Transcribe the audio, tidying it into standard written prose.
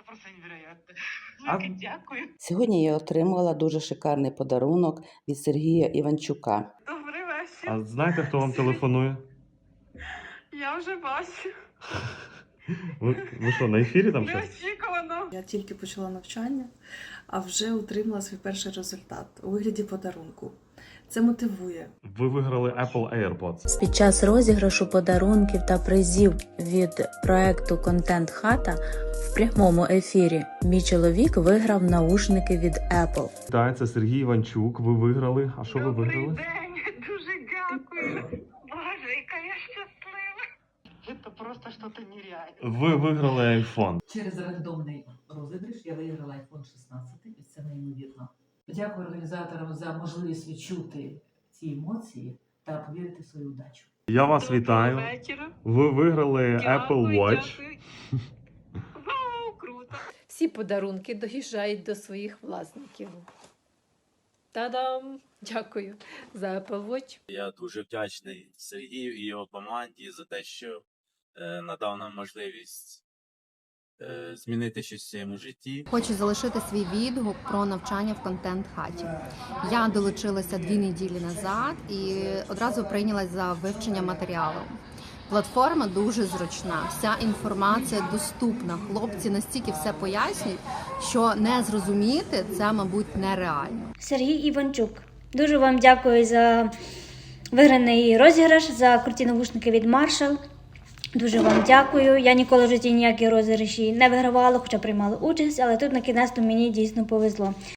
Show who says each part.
Speaker 1: просто невероятно.
Speaker 2: А-
Speaker 1: Велике дякую.
Speaker 3: Сьогодні я отримала дуже шикарний подарунок від Сергія Іванчука.
Speaker 1: Добрий вечір.
Speaker 2: А знаєте, хто вам телефонує?
Speaker 1: Я вже бачу.
Speaker 2: Ви що, на ефірі там щось?
Speaker 1: Неочікувано.
Speaker 4: Я тільки почала навчання, а вже отримала свій перший результат у вигляді подарунку. Це мотивує.
Speaker 2: Ви виграли Apple AirPods.
Speaker 5: Під час розіграшу подарунків та призів від проекту «Контент Хата» в прямому ефірі мій чоловік виграв наушники від Apple.
Speaker 2: Так, це Сергій Іванчук. Ви виграли. А що ви
Speaker 1: Добрий
Speaker 2: виграли?
Speaker 1: день. Дуже дякую. Боже, яка я щаслива. Це просто щось нереальне.
Speaker 2: Ви виграли iPhone.
Speaker 6: Через рандомний розіграш я виграла iPhone 16, і це неймовірно. Дякую організаторам за можливість відчути ці емоції та повірити в свою удачу.
Speaker 2: Я вас вітаю.
Speaker 1: вечора.
Speaker 2: Ви виграли Apple Watch.
Speaker 1: Дякую. Вау, круто.
Speaker 7: Всі подарунки доїжджають до своїх власників. Та-дам! Дякую за Apple Watch.
Speaker 8: Я дуже вдячний Сергію і його команді за те, що надав нам можливість змінити щось в своєму житті.
Speaker 9: Хочу залишити свій відгук про навчання в контент-хаті. Я долучилася 2 неділі назад і одразу прийнялась за вивчення матеріалу. Платформа дуже зручна, вся інформація доступна. Хлопці настільки все пояснюють, що не зрозуміти це, мабуть, нереально.
Speaker 10: Сергій Іванчук. Дуже вам дякую за виграний розіграш, за круті навушники від Marshall. Дуже вам дякую. Я ніколи в житті ніякі розіграші не вигравала, хоча приймала участь, але тут на кінець мені дійсно повезло.